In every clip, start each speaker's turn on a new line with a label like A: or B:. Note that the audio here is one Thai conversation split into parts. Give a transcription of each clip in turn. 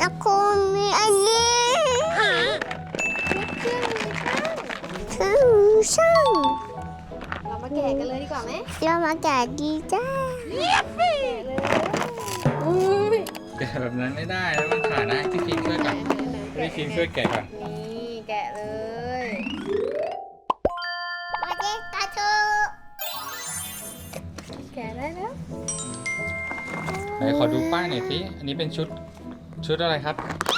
A: แล้วคุณมีอันนี้เครื่องมือช่าง
B: เรามาแกะกันเลยดีกว่าไหม
A: เรามาแกะดีจ้า
B: แกะเลยอุ้ย
C: แกะแบบนั้นไม่ได้แล้วมันขาดนะพี่ฟิล์มช่วยก่อนพี่ฟิล์มช่วยแกะก่อน
B: นี่แกะเลย
A: มาเด็กตาโต
B: แกะได้แล้ว
C: ไหนขอดูป้ายหน่อยสิอันนี้เป็นชุดอะไรครับ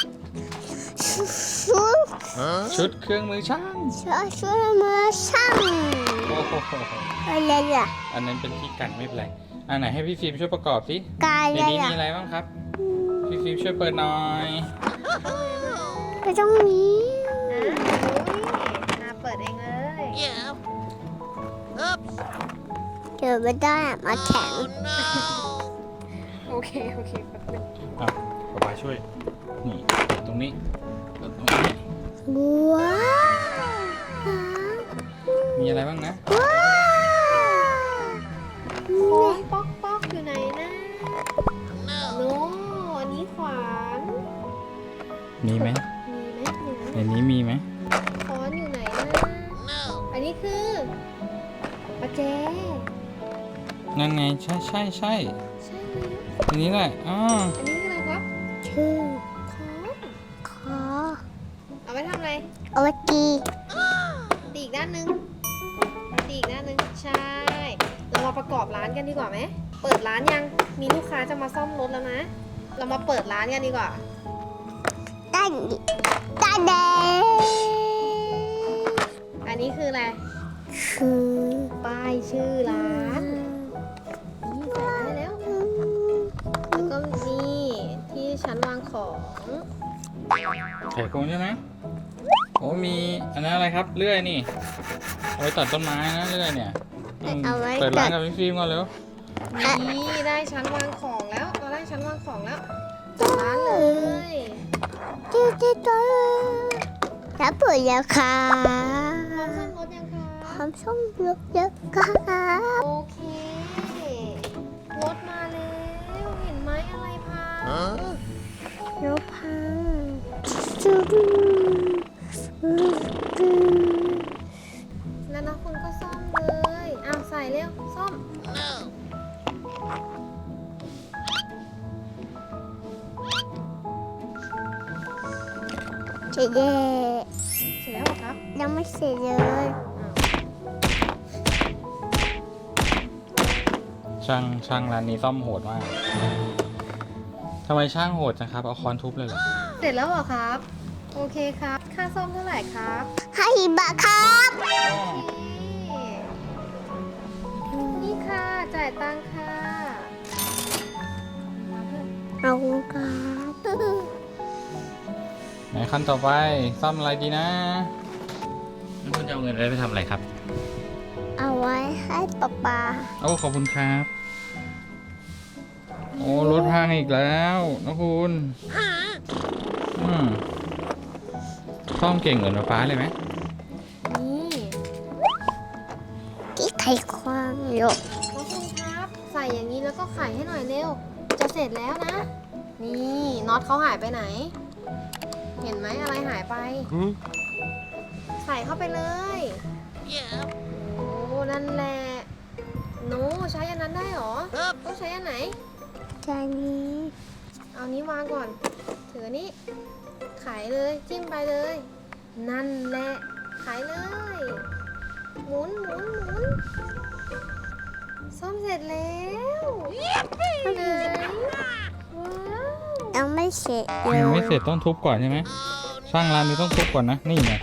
A: ชุด
C: ชุดเครื่องมือช่าง
A: ชุดมือช่าง
C: โอ้โห
A: อะไรล่ะ
C: อันนั้นเป็นที่กันไม่เป็นไรอันไหนให้พี่ฟิล์มช่วยประกอบสิ
A: กาย
C: ใน
A: อะไร
C: นี้
A: ล่ะ
C: มีอะไรบ้างครับพี่ฟิล์มช่วยเปิดหน่อย
A: ไปตรงนี้
B: นาเปิดเองเลย
A: เดี๋ยวไม่ได้มาแข็ง
B: โอเคแป๊บนึง
C: อ่ะป๊าช่วยนี่ตรงนี้ตรงนี้
A: ว้าว
C: มีอะไรบ้างนะ
A: ว้าว
B: โค้งป๊อกอยู่ไหนนะโน้อันนี้ขวาน
C: มีไหม
B: มีไหม
C: ในนี้มีไหม
B: ค้อนอยู่ไหนนะอันนี้คือประแจ
C: นั่นไงใช่
B: ใช่ไหม
C: อันนี้แหละอ๋อ
B: อันนี้คืออะไรครับ
A: ชื่อ
B: ค้อน
A: ขอ
B: เอาไว้ทำอะไร
A: เอาไว้กี
B: ตีอีกด้านหนึงตีอีกด้านหนึงใช่ เรามาประกอบร้านกันดีกว่าไหมเปิดร้านยังมีลูกค้าจะมาซ่อมรถแล้วนะ เรามาเปิดร้านกันดีกว่า
A: ด้านแดง
B: อันนี้คืออะไร
A: คือ
B: ป้ายชื่อร้านนี่ใส่ได้แล้ว แล้วก็นี่ที่ชั้นวางของ
C: ไข่โกงใช่ไหมโอ้มีอันนั้นอะไรครับเลื่อยนี่เอาไว้ตัดต้นไม้นะเลื่อยเนี่ยเปิดร้านกับพี่ฟิล์มก่อนเร็ว
B: นี่ได้ชั้นวางของแล้วเราได้ชั้นวางของแล้วจัดร้านเลย
A: ตัวแล้วเปิดแล้วค่ะ
B: พร้อมซ่อมรถยังคะ
A: พร้อมส่งรถเยอะค่ะ
B: โอเครถมาแล้วเห็นไหมอะไรพัง
A: รถพังจุด
B: แล้วนะคุณก็ซ่อมเลยอ้าวใส่เร็วซ่อม
A: เจ๊
B: เสร็จแล้วเหรอครับ
A: ยังไม่เสร็จเลย
C: ช่างร้านนี้ซ่อมโหดมากทำไมช่างโหดจังครับเอาค้อนทุบเลยเหรอ
B: เสร็จแล้วเหรอครับ โอเคครับ ค่าซ่อมเท่าไหร่ครับ
A: 5 บาทครับ
B: นี่ค่ะ จ่ายตังค่ะ
A: เอาครับ
C: ไหนขั้นต่อไปซ่อมอะไรดีนะคุณจะเอาเงินไปทำอะไรครับ
A: เอาไว้ให้ป๊า
C: โอ้ขอบคุณครับ โอ้รถพังอีกแล้วนะคุณซ่อมเก่งเหมือนฟ้าเลยไหม
B: นี่
A: ที่ไขความหยก
B: น้องคุณครับ ใส่อย่างนี้แล้วก็ไขให้หน่อยเร็ว จะเสร็จแล้วนะ นี่น็อตเขาหายไปไหน เห็นไหมอะไรหายไป ใส่เข้าไปเลยโอ้นั่นแหละหนูใช้อันนั้นได้เหรอต้องใช้อันไหน
A: จานนี้
B: เอานี้วางก่อน ถือนี้ขายเลยจิ้มไปเลย นั่นแหละขายเลย หมุนซ่อมเสร็จแล้วไหนว้าว
A: ยังไม่เสร็จเลย
C: ยังไม่เสร็จต้องทุบก่อนใช่ไหมช่างร้านนี้ต้องทุบก่อนนะนี่ไง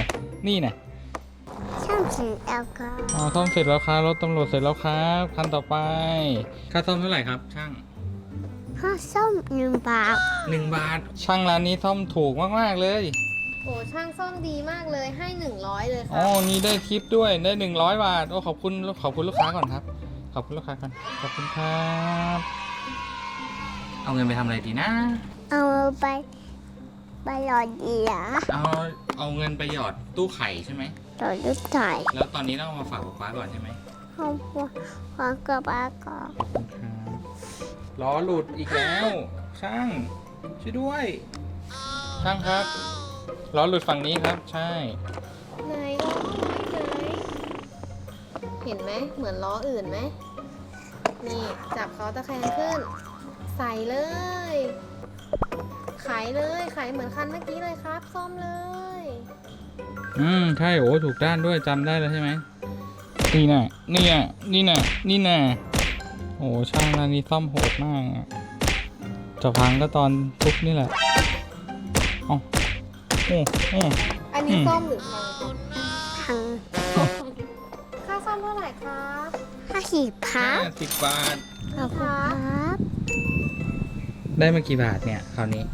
A: ช่างเสร็จแล้วครับ
C: อ๋อซ่อมเสร็จแล้วครับรถตำรวจเสร็จแล้วครับคันต่อไปค่าซ่อมเท่าไหร่ครับช่าง
A: ข้าวส้ม1 บาท
C: 1 บาท ช่างร้านนี้ซ่อมถูกมากๆเลย
B: โอ้ช่างซ่อมดีมากเลยให้100เลยค
C: อ๋
B: รั
C: อบ นี่ได้ทิปด้วยได้100 บาทโอ้ขอบคุณลูกค้าก่อนครับขอบคุณลูกค้าก่อนขอบคุณครับเอาเงินไปทำอะไรดีนะ
A: เอาไปหลอดเหยีย
C: เอาเงินไปหยอดตู้ไข่ใช่ไหม
A: หลอดลูกไก่
C: แล้วตอนนี้ต้องเอามาฝากป๊าก่อนใช่ไหม
A: ห้องวางกระบะก่อน
C: ขอบคุณครับล้อหลุดอีกแล้วช่างช่วยด้วยช่างครับล้อหลุดฝั่งนี้ครับใช่
B: ไหนล้อไหนเห็นไหมเหมือนล้ออื่นไหมนี่จับเขาตะแคงขึ้น ใส่เลยไขเลยไขเหมือนคันเมื่อกี้เลยครับซ่อมเลย
C: ใช่โอ้ถูกด้านด้วยจำได้แล้วใช่ไหมนี่น่ะนี่น่ะนี่น่ะนี่น่ะโอ้ช่างร้านนี้ซ่อมโหดมากอะจะพังก็ตอนทุบนี่แหละโอ้โอ้
B: อันนี้ซ่อมหรือพัง
A: พัง
B: ค่าซ่อมเท่าไหร่ครับ
A: 50ครับ
C: 50 บาท
A: ขอบคุณครับ
C: ได้มากี่บาทเนี่ยคราวนี้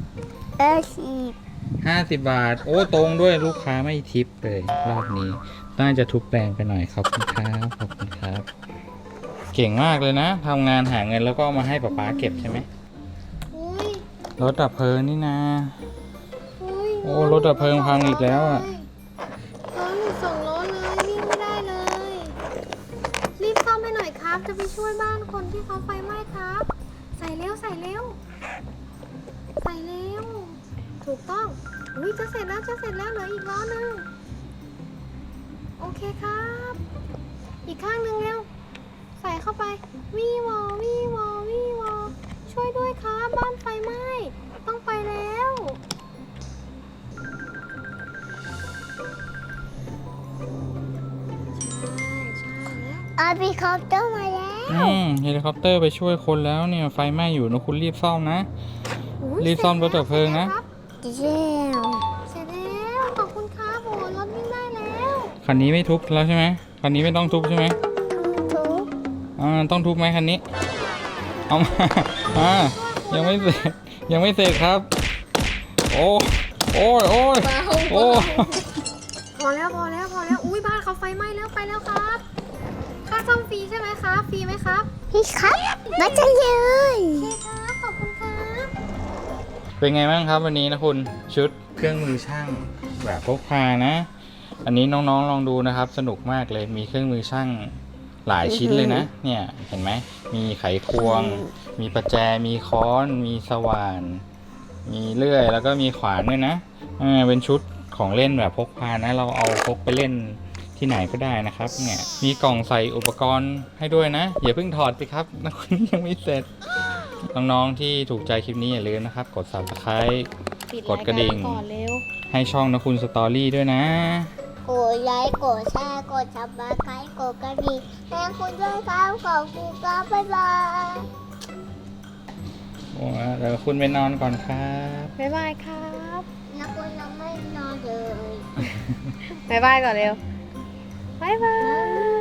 A: 50
C: 50 บาท โอ้ตรงด้วยลูกค้าไม่ทิปเลยรอบนี้น่าจะทุบแปลงไปหน่อยขอบคุณครับขอบคุณครับ เก่งมากเลยนะทำงานหาเงินแล้วก็เอามาให้ป๊าเก็บใช่ไหม
B: อุ้ย
C: รถดับเพลิงนี่นะ
B: อุ้ย
C: โอ้รถดับเพลิงพังอีกแล้วอะ
B: ล้อหลุด2 ล้อเลยวิ่งไม่ได้เลย รีบซ่อมให้หน่อยครับ จะไปช่วยบ้านคนที่เขาไฟไหม้ครับ ใส่เร็วใส่เร็วใส่เร็วถูกต้องอุ้ยจะเสร็จแล้วจะเสร็จแล้วเหลืออีกล้อหนึงโอเคครับ อีกข้างหนึ่งเร็วใส่เข้าไปวีวอวีวอวีวอช่วยด้วยครับบ้านไฟไหม้ต้องไปแล้วใช่แล้ว
A: อาบีคอปเตอร์มาแล้ว
C: เฮลิคอปเตอร์ไปช่วยคนแล้วเนี่ยไฟไหม้อยู่นะคุณรีบซ่อมนะ
B: อุ๊ย
C: รีบซ่อมรถดับเพลิงนะ
A: เร็ว
B: เสร็จแล้วขอบคุณครับโอ้รถวิ่งได้แล้ว
C: คันนี้ไม่ทุบแล้วใช่ไหมคันนี้ไม่ต้องทุบใช่ไหม
A: ทุก
C: ต้องทุบไหมคันนี้เอามายังไม่เสร็จยังไม่เสร็จครับ โอ้โอ้ยโอ้ยโอ้
B: พอแล้วอุ้ยบ้านเขาไฟไหม้แล้วไปแล้วครับค่าซ่อมฟรีใช่ไหมครับฟรีไหมครับ
A: พี่ครับมาจะเลย
B: โอเคครับขอบคุณครับ
C: เป็นไงบ้างครับวันนี้นะคุณชุดเครื่องมือช่างแบบพกพานะ อันนี้น้องๆลองดูนะครับ สนุกมากเลยมีเครื่องมือช่างหลายชิ้นเลยนะ เนี่ยเห็นไหมมีไขควง มีประแจมีค้อน มีสว่าน มีเลื่อยแล้วก็มีขวานด้วยนะเป็นชุดของเล่นแบบพกพานะ เราเอาพกไปเล่นที่ไหนก็ได้นะครับเนี่ยมีกล่องใส่อุปกรณ์ให้ด้วยนะอย่าเพิ่งถอดสิครับนะคุณยังไม่เสร็จน้องๆที่ถูกใจคลิปนี้อย่าลืมนะครับกด Subscribe กดกระดิ่ง
B: ก่อนเร็ว
C: ให้ช่องนะคุณสตอรี่ด้วยนะ
A: กดไลค์กดแชร์กดซับสไครต์กดกระดิ่งให้คุณด้วยครับขอบคุณครับบ๊ายบาย
C: โอ้เดี๋ยวคุณไปนอนก่อนครับ
B: บ๊ายบายครับ
A: แล้วคุณยังไม่นอนเลย
B: บ๊ายบายก่อนเร็วบ๊ายบาย